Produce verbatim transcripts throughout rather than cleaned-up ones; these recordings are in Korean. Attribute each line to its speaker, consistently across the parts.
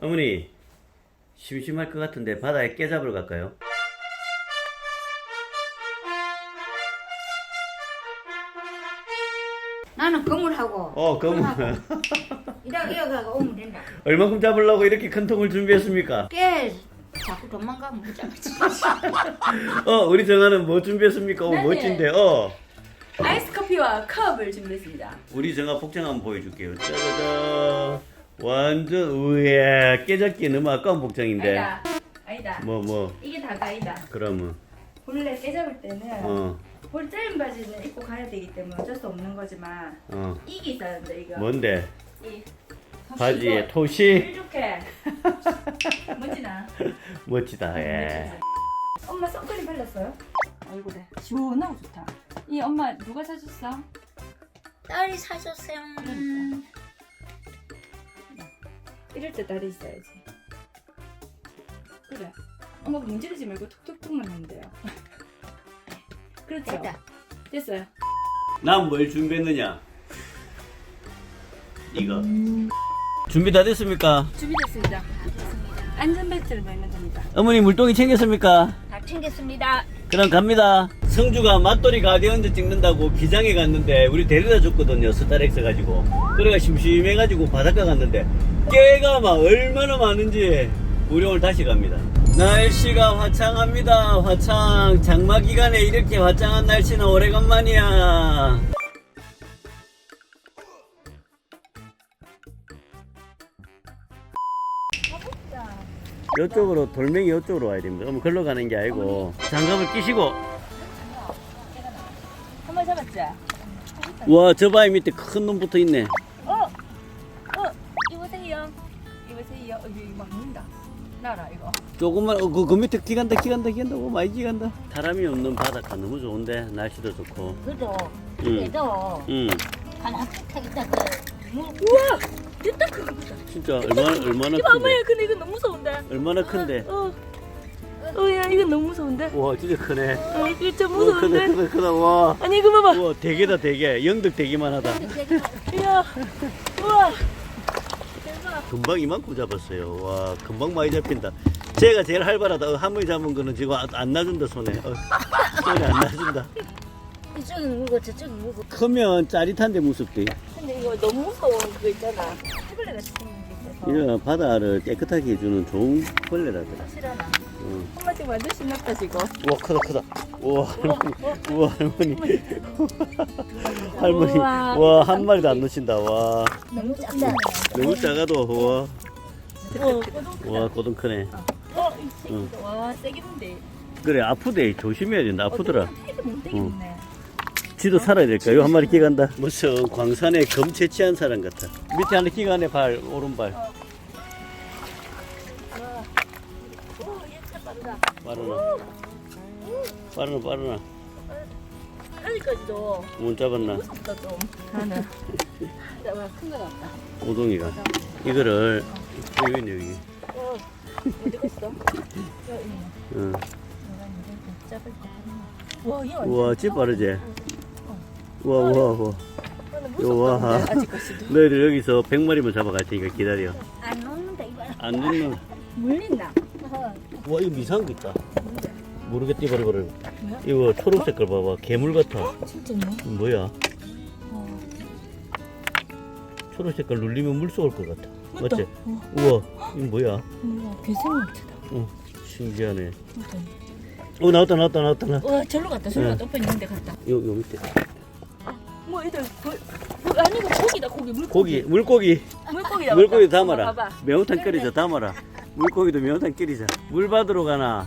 Speaker 1: 어머니, 심심할 것 같은데 바다에 깨 잡으러 갈까요?
Speaker 2: 나는 그물하고
Speaker 1: 어, 그럼
Speaker 2: 이러 이러가 오면 된다.
Speaker 1: 얼마큼 잡으려고 이렇게 큰 통을 준비했습니까?
Speaker 2: 깨 자꾸 도망가면 못 잡지.
Speaker 1: 어, 우리 정아는 뭐 준비했습니까? 오,
Speaker 3: 네.
Speaker 1: 멋진데, 어.
Speaker 3: 아이스 커피와 컵을 준비했습니다.
Speaker 1: 우리 정아 복장 한번 보여줄게요. 짜자잔. 완전, 우야, 깨잡기 너무 아까운 복장인데.
Speaker 3: 아니다. 아니다.
Speaker 1: 뭐, 뭐,
Speaker 3: 이게 다가 아니다.
Speaker 1: 그러면,
Speaker 3: 본래 깨잡을 때는
Speaker 1: 어,
Speaker 3: 볼 짧은 바지는 입고 가야 되기 때문에 어쩔 수 없는 거지만
Speaker 1: 어.
Speaker 3: 이게 있어야 된다 이거.
Speaker 1: 뭔데?
Speaker 3: 이
Speaker 1: 바지에
Speaker 3: 이거
Speaker 1: 토시?
Speaker 3: 이렇게 멋지나?
Speaker 1: 멋지다, 예.
Speaker 3: 엄마 선크림 발랐어요? 얼굴에 시원하고 좋다. 이 엄마 누가 사줬어?
Speaker 2: 딸이 사줬어요. 음.
Speaker 3: 이럴 때 딸이 있어야지. 그래. 엄마 문지르지 말고 툭툭툭만 하면 돼요. 그렇죠.
Speaker 2: 됐다.
Speaker 3: 됐어요.
Speaker 1: 난 뭘 준비했느냐? 이거. 준비 다 됐습니까?
Speaker 3: 준비됐습니다. 안전벨트를 매면 됩니다.
Speaker 1: 어머니 물동이 챙겼습니까?
Speaker 2: 다 챙겼습니다.
Speaker 1: 그럼 갑니다. 성주가 맛돌이 가디언즈 찍는다고 기장에 갔는데 우리 데려다 줬거든요. 스타렉스 가지고. 그래가 심심해가지고 바닷가 갔는데 깨가 막 얼마나 많은지 우리 오늘 다시 갑니다. 날씨가 화창합니다. 화창. 장마 기간에 이렇게 화창한 날씨는 오래간만이야. 이쪽으로 돌멩이 이쪽으로 와야 됩니다. 그럼 걸로 가는 게 아니고 장갑을 끼시고.
Speaker 3: 한 번 잡았지?
Speaker 1: 와, 저 바위 밑에 큰 놈 붙어 있네.
Speaker 3: 어! 어! 이보세요. 이보세요. 어, 이거 막 물린다. 나라 이거.
Speaker 1: 조금만, 어, 그, 그 밑에 기간다, 기간다, 기간다. 오, 많이 기간다. 사람이 없는 바닷가 너무 좋은데, 날씨도 좋고.
Speaker 2: 그래도
Speaker 1: 응.
Speaker 2: 그래도
Speaker 1: 응,
Speaker 2: 하나 택했다 그 물.
Speaker 3: 우와! 진짜 크다.
Speaker 1: 진짜 얼마나, 얼마나
Speaker 3: 이거 엄마야,
Speaker 1: 큰데.
Speaker 3: 근데 이거 너무 무서운데.
Speaker 1: 얼마나 큰데.
Speaker 3: 어. 어, 야, 이거 너무 무서운데.
Speaker 1: 와, 진짜 크네.
Speaker 3: 어, 이거 진짜
Speaker 1: 와, 크다,
Speaker 3: 무서운데.
Speaker 1: 크다, 크다. 와.
Speaker 3: 아니, 이거 봐봐.
Speaker 1: 우와, 대게다, 대게. 영덕 대게만 하다.
Speaker 3: 이야. 우와. 대박.
Speaker 1: 금방 이만큼 잡았어요. 와, 금방 많이 잡힌다. 제가 제일 활발하다. 어, 한 번에 잡은 거는 지금 안, 안 놔준다, 손에. 어, 손에 안 놔준다.
Speaker 2: 이쪽이 물고 저쪽이 물고.
Speaker 1: 크면 짜릿한데 무섭대.
Speaker 3: 근데 이거 너무 무서운 그거 있잖아. 해벌레 같이 생긴 게 있어서.
Speaker 1: 이거 바다를 깨끗하게 해주는 좋은 벌레라더라.
Speaker 3: 싫어나.
Speaker 1: 응.
Speaker 3: 엄마 지금 완전 신났다 지금.
Speaker 1: 우와, 크다, 크다. 우와, 할머니. 우와, 할머니. 할머니.
Speaker 3: 우와.
Speaker 1: 와, 한 마리도 안 놓친다. 와.
Speaker 2: 너무 작다.
Speaker 1: 너무 작아도, 우와.
Speaker 3: 어,
Speaker 1: 와, 고등 크네.
Speaker 3: 어, 이
Speaker 1: 응.
Speaker 3: 새끼도 와 세겠는데.
Speaker 1: 그래, 아프대. 조심해야 된다. 아프더라.
Speaker 3: 태그 못 되겠네.
Speaker 1: 지도 살아야 될까? 요 한 마리 끼간다. 무슨 광산에 검 채취한 사람 같아. 밑에 하나 끼가네, 발, 오른발.
Speaker 3: 오, 얘차 빠르다.
Speaker 1: 빠르나. 빠르나, 빠르나.
Speaker 3: 아직까지도
Speaker 1: 못 잡았나?
Speaker 3: 무섭다 좀. 나는. 잡아 큰거 같다.
Speaker 1: 오동이가. 이거를, 여기 있네, 여기.
Speaker 3: 어, 어디 갔어? 여 있네.
Speaker 1: 응.
Speaker 3: 잡을 때. 와, 얘 완전.
Speaker 1: 우와, 집 빠르지? 우와, 우와, 우와.
Speaker 3: 나는
Speaker 1: 우와.
Speaker 3: 무섭다. 아직까지도.
Speaker 1: 너희들 여기서 백 마리만 잡아갈 테니까 기다려.
Speaker 2: 안 녹는다 이거.
Speaker 1: 안 넣는.
Speaker 3: 물린다.
Speaker 1: 와, 이거 이상한 거 있다.
Speaker 3: 뭔데?
Speaker 1: 모르겠다, 이거, 이거.
Speaker 3: 뭐야?
Speaker 1: 이거 초록 색깔 봐봐. 괴물 같아.
Speaker 3: 진짜네.
Speaker 1: 이거 뭐야?
Speaker 3: 어.
Speaker 1: 초록 색깔 눌리면 물속 올 것 같아.
Speaker 3: 맞다.
Speaker 1: 맞지?
Speaker 3: 어.
Speaker 1: 우와, 이거 뭐야?
Speaker 3: 우와, 괴생물체다.
Speaker 1: 어, 신기하네.
Speaker 3: 맞다.
Speaker 1: 어, 나왔다, 나왔다, 나왔다. 나.
Speaker 3: 와, 절로 갔다. 절로
Speaker 1: 네.
Speaker 3: 갔다. 오빠 있는데 갔다.
Speaker 1: 요, 요 밑에.
Speaker 3: 뭐 애들 그, 그 아니고 고기다 고기 물고기.
Speaker 1: 고기, 물고기.
Speaker 3: 물고기다.
Speaker 1: 물고기
Speaker 3: 맞다.
Speaker 1: 담아라.
Speaker 3: 엄마 봐봐.
Speaker 1: 매운탕 끓이자, 담아라. 물고기도 매운탕 끓이자. 물 받으러 가나?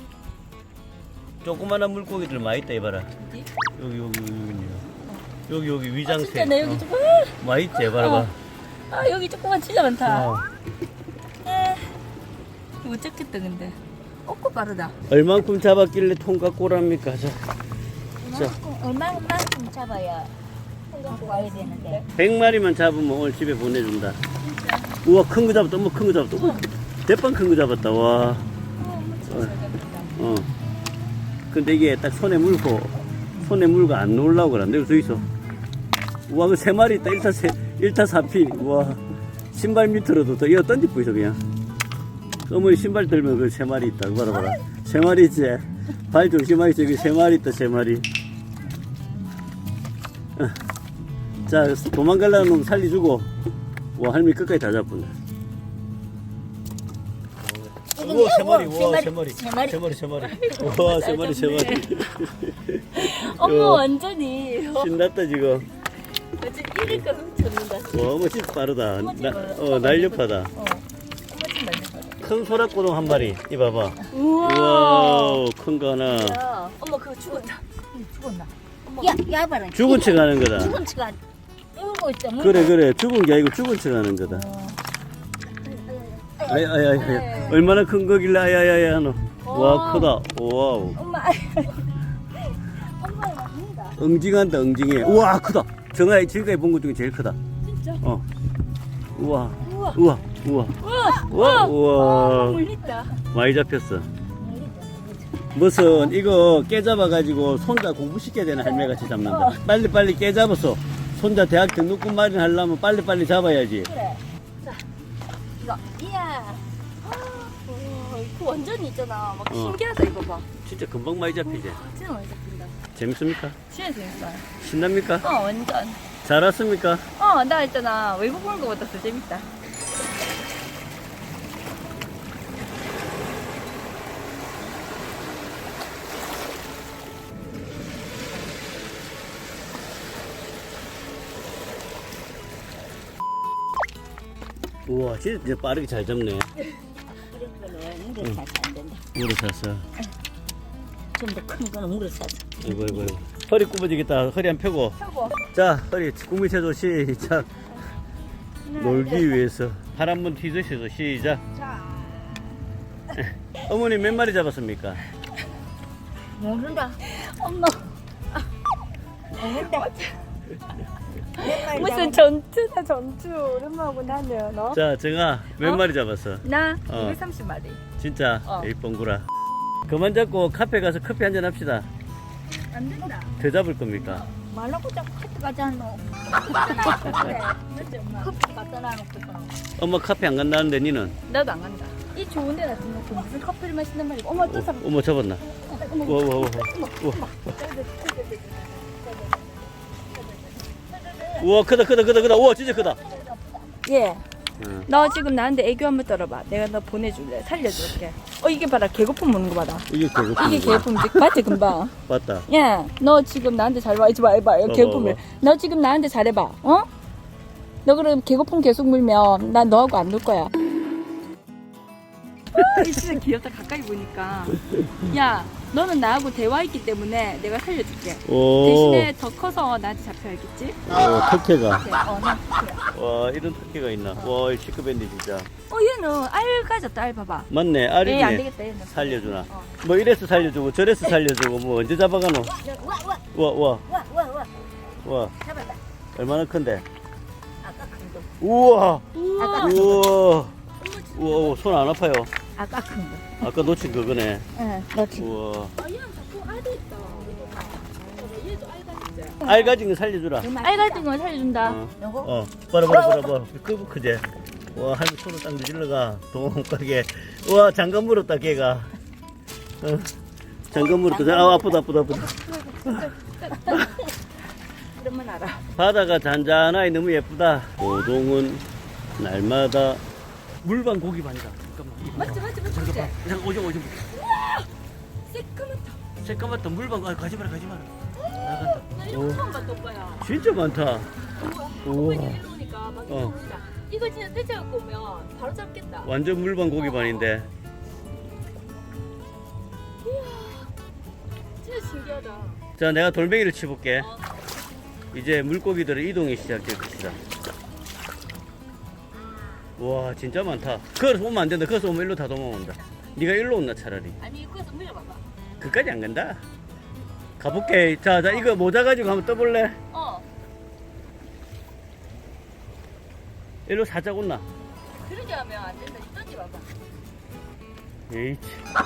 Speaker 1: 조그만한 물고기들 많이 있다, 이봐라.
Speaker 3: 어디?
Speaker 1: 여기, 여기, 여기, 여기, 여기
Speaker 3: 아,
Speaker 1: 위장새.
Speaker 3: 진짜 내 여기
Speaker 1: 어,
Speaker 3: 조금.
Speaker 1: 많이 있지, 봐라, 봐.
Speaker 3: 아 여기 조금만 진짜 많다.
Speaker 1: 어.
Speaker 3: 에. 이거 못 잡겠다 근데. 어고 빠르다.
Speaker 1: 얼만큼 잡았길래 통각고랍니까? 자, 자,
Speaker 2: 얼마만큼 잡아야 갖고 와야 되는데.
Speaker 1: 백 마리만 잡으면 오늘 집에 보내준다. 우와, 큰 거 잡았다. 어머, 큰 거 잡았다. 우와, 대빵 큰 거 잡았다. 와.
Speaker 3: 어, 엄마 진짜 잘 잡았다.
Speaker 1: 어. 근데 이게 딱 손에 물고, 손에 물고 안 놀라고 그러는데, 여기 있어. 우와, 그 세 마리 있다. 일타 세, 일타 사피. 우와. 신발 밑으로도 또 이어 던지고 있어, 그냥. 어머니 신발 들면 그 세 마리 있다. 봐라 봐라. 세 마리 있지. 발 조심하게 저기 세 마리 있다. 세 마리. 어. 자 도망가려는 놈 살려주고. 와 할머니 끝까지 다 잡았네. 우와 세 마리. 우와 세 마리.
Speaker 2: 세 마리.
Speaker 1: 세 마리 세 마리. 우와 세 마리 세 마리.
Speaker 3: 엄마
Speaker 1: 어.
Speaker 3: 완전히
Speaker 1: 신났다 지금.
Speaker 3: 어제 이를 거 훔쳤는다.
Speaker 1: 와 어머 진짜 빠르다. 나, 어 날렵하다.
Speaker 3: 어. 엄마 좀 날려봐.
Speaker 1: 큰 소라꼬동 한 마리. 이 봐봐.
Speaker 3: 우와.
Speaker 1: 우와 큰 거 하나.
Speaker 3: 야, 엄마 그거 죽었다.
Speaker 2: 응, 죽었나?
Speaker 3: 엄마.
Speaker 2: 야, 야 봐라.
Speaker 1: 죽은 척 하는 거다.
Speaker 2: 죽은 척 울고 있다. 물고.
Speaker 1: 그래 그래 죽은 게 아니고 죽은 척 하는 거다. 아이 아이 아이 아이. 얼마나 큰 거길래 아야야야 하노. 와 크다. 와우.
Speaker 2: 엄마. 엄마 맞는다.
Speaker 1: 응징한다 응징해. 우와 크다. 정아 지금까지 본 것 중에 제일 크다.
Speaker 3: 진짜?
Speaker 1: 어. 우와.
Speaker 3: 우와.
Speaker 1: 우와. 우와. 우와.
Speaker 3: 우와.
Speaker 1: 우와.
Speaker 3: 물린다.
Speaker 1: 많이 잡혔어. 무슨 이거 깨잡아가지고 손자 공부시켜야 되는 할매같이 잡는다. 빨리빨리 깨잡았어. 손자 대학 등록금 마련하려면 빨리빨리 잡아야지.
Speaker 2: 그래. 자, 이거.
Speaker 3: 이야. 와, 이거 완전히 있잖아. 막
Speaker 1: 어.
Speaker 3: 신기하다 이거 봐.
Speaker 1: 진짜 금방 많이 잡히지.
Speaker 3: 진짜 많이 잡힌다.
Speaker 1: 재밌습니까?
Speaker 3: 진짜 재밌어요.
Speaker 1: 신납니까?
Speaker 3: 어 완전.
Speaker 1: 잘 왔습니까?
Speaker 3: 어 나 있잖아 외국 보는 거보다 더 재밌다.
Speaker 1: 우와 진짜 빠르게 잘 잡네.
Speaker 2: 이런 거는 물에 사서 안 된다.
Speaker 1: 물을 샀어.
Speaker 2: 좀 더 큰 거는 물에 사서.
Speaker 1: 아이고 아이고 아이고. 허리 굽어지겠다. 허리 안 펴고.
Speaker 3: 펴고.
Speaker 1: 자 허리 국민체조 시작. 놀기 위해서 팔 한번 튀으셔서 시작.
Speaker 3: 자.
Speaker 1: 어머니 몇 마리 잡았습니까?
Speaker 2: 모른다.
Speaker 3: 엄마.
Speaker 2: 모른다.
Speaker 3: 무슨 전투다 전투. 오랜만하고 나는 너.
Speaker 1: 자 정아 몇
Speaker 3: 어?
Speaker 1: 마리 잡았어?
Speaker 3: 나
Speaker 1: 어.
Speaker 3: 이백삼십 마리.
Speaker 1: 진짜
Speaker 3: 어.
Speaker 1: 에이 뻥구라. 그만 잡고 카페 가서 커피 한잔 합시다.
Speaker 3: 안 된다.
Speaker 1: 더 잡을 겁니까?
Speaker 2: 말라고 자꾸 커피 갖다 놓고.
Speaker 3: 그래. 맞지 엄마.
Speaker 2: 커피 갖다 놔놓고.
Speaker 1: 엄마 카페 안 간다는데 니는?
Speaker 3: 나도 안 간다. 이 좋은 데 놔두놓고 무슨 커피를 마신단 말이야. 엄마 또
Speaker 1: 어,
Speaker 3: 잡.
Speaker 1: 어머 잡았나?
Speaker 3: 어머.
Speaker 1: 우와 우와 우와 우와. 우와 크다 크다 크다 크다. 우와 진짜 크다.
Speaker 3: 예.
Speaker 1: 응.
Speaker 3: 너 지금 나한테 애교 한번 떨어봐. 내가 너 보내줄래. 살려줄게. 어 이게 봐라. 개고품 먹는 거 봐라.
Speaker 1: 이게 개그품.
Speaker 3: 이게 개고품지. 맞지 금방.
Speaker 1: 맞다.
Speaker 3: 야, 너 지금 나한테 잘봐. 이제 봐, 해봐.
Speaker 1: 봐봐,
Speaker 3: 개고품을.
Speaker 1: 봐봐.
Speaker 3: 너 지금 나한테 잘해봐. 어? 너 그럼 개고품 계속 물면 난 너하고 안 놀 거야. 진짜 귀엽다. 가까이 보니까. 야, 너는 나하고 대화했기 때문에 내가 살려줄게.
Speaker 1: 오.
Speaker 3: 대신에 더 커서 나한테 잡혀야겠지?
Speaker 1: 오 턱해가.
Speaker 3: 네, 어, 나.
Speaker 1: 와 이런 턱해가 있나? 와 시크밴드 진짜.
Speaker 3: 어, 얘는 알 가졌다. 알 봐봐.
Speaker 1: 맞네
Speaker 3: 얘 안
Speaker 1: 알이네.
Speaker 3: 되겠다. 얘는.
Speaker 1: 살려주나?
Speaker 3: 어.
Speaker 1: 뭐 이래서 살려주고 저래서 살려주고 뭐 언제 잡아가노?
Speaker 2: 와, 와,
Speaker 1: 와 와
Speaker 2: 와, 와, 와.
Speaker 1: 와
Speaker 2: 잡았다.
Speaker 1: 얼마나 큰데?
Speaker 2: 아까 큰 거.
Speaker 1: 우와
Speaker 3: 우와.
Speaker 1: 우와 우와 손 안 아파요?
Speaker 2: 아까 큰 거.
Speaker 1: 아까 놓친 그거네.
Speaker 2: 응, 그렇지.
Speaker 1: 우와
Speaker 3: 아, 얘는 자꾸 알이 있다. 얘도 알 가졌지.
Speaker 1: 알 가진 거 살려주라.
Speaker 3: 알 같은 거 살려준다.
Speaker 1: 어,
Speaker 2: 요거?
Speaker 1: 어, 봐라 봐라 봐라 봐라. 그 크제. 와 할머니 손을 딱 내질러가 동가게. 와 장갑 물었다 걔가. 어, 장갑 물었다. 아 아프다 아프다 아프다.
Speaker 3: 그러면 알아.
Speaker 1: 바다가 잔잔하니 너무 예쁘다. 고동은 날마다 물반 고기반이다. 잠깐만. 이거
Speaker 3: 맞지,
Speaker 1: 봐.
Speaker 3: 맞지, 맞지.
Speaker 1: 잠깐만. 잠깐 오줌 오줌.
Speaker 3: 새까맣다.
Speaker 1: 새까맣다 물반 아, 가지 마라 가지 마라. 나간다.
Speaker 3: 나 이런 거 처음 봤던 거야.
Speaker 1: 진짜 많다. 우와.
Speaker 3: 엄마 일로 오니까 막
Speaker 1: 어.
Speaker 3: 이러니까 이거 진짜 떼져갖고 오면 바로 잡겠다.
Speaker 1: 완전 물반 고기반인데.
Speaker 3: 진짜 신기하다.
Speaker 1: 자 내가 돌멩이를 치볼게.
Speaker 3: 어.
Speaker 1: 이제 물고기들의 이동이 시작될 것이다. 와 진짜 많다. 거기서 오면 안 된다. 거기서 오면 일로 다 도망온다. 네가 일로 온나 차라리.
Speaker 3: 아니 이거에서 물려봐봐.
Speaker 1: 그까지 안 간다. 가볼게. 자, 자 이거 모자 가지고 한번 떠볼래?
Speaker 3: 어.
Speaker 1: 일로 살짝 온나.
Speaker 3: 그러게 하면 안 된다. 이 던져봐봐.
Speaker 1: 에이치.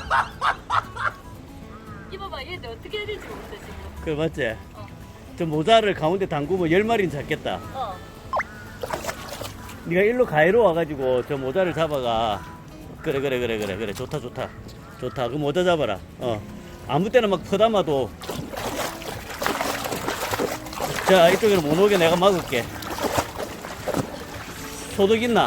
Speaker 3: 이봐봐. 얘들 어떻게 해야 될지 모르겠어 지금.
Speaker 1: 그래 맞지?
Speaker 3: 어.
Speaker 1: 저 모자를 가운데 담그면 열 마리는 잡겠다.
Speaker 3: 어.
Speaker 1: 네가 일로 가해로 와가지고 저 모자를 잡아가. 그래 그래 그래 그래 그래 좋다 좋다 좋다. 그 모자 잡아라. 어 아무 때나 막 퍼담아도. 자 이쪽으로 못 오게 내가 막을게. 소득 있나?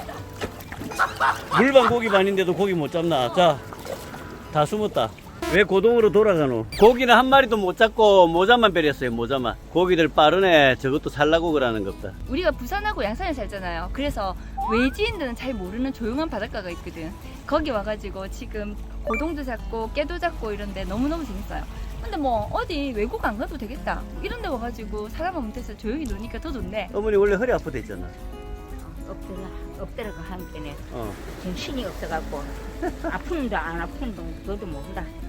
Speaker 1: 물반 고기 반인데도 고기 못 잡나? 자 다 숨었다. 왜 고동으로 돌아가노? 고기는 한 마리도 못 잡고 모자만 빼렸어요. 모자만. 고기들 빠르네. 저것도 살라고 그러는 겁다.
Speaker 3: 우리가 부산하고 양산에 살잖아요. 그래서 외지인들은 잘 모르는 조용한 바닷가가 있거든. 거기 와가지고 지금 고동도 잡고 깨도 잡고 이런데 너무너무 재밌어요. 근데 뭐 어디 외국 안 가도 되겠다 이런 데 와가지고 사람 없는 데서 조용히 노니까 더 좋네.
Speaker 1: 어머니 원래 허리 아프다 했잖아.
Speaker 2: 엎드려 엎드려가 한 게네
Speaker 1: 어.
Speaker 2: 정신이 없어갖고 아픈도 안 아픈도 저도 모른다.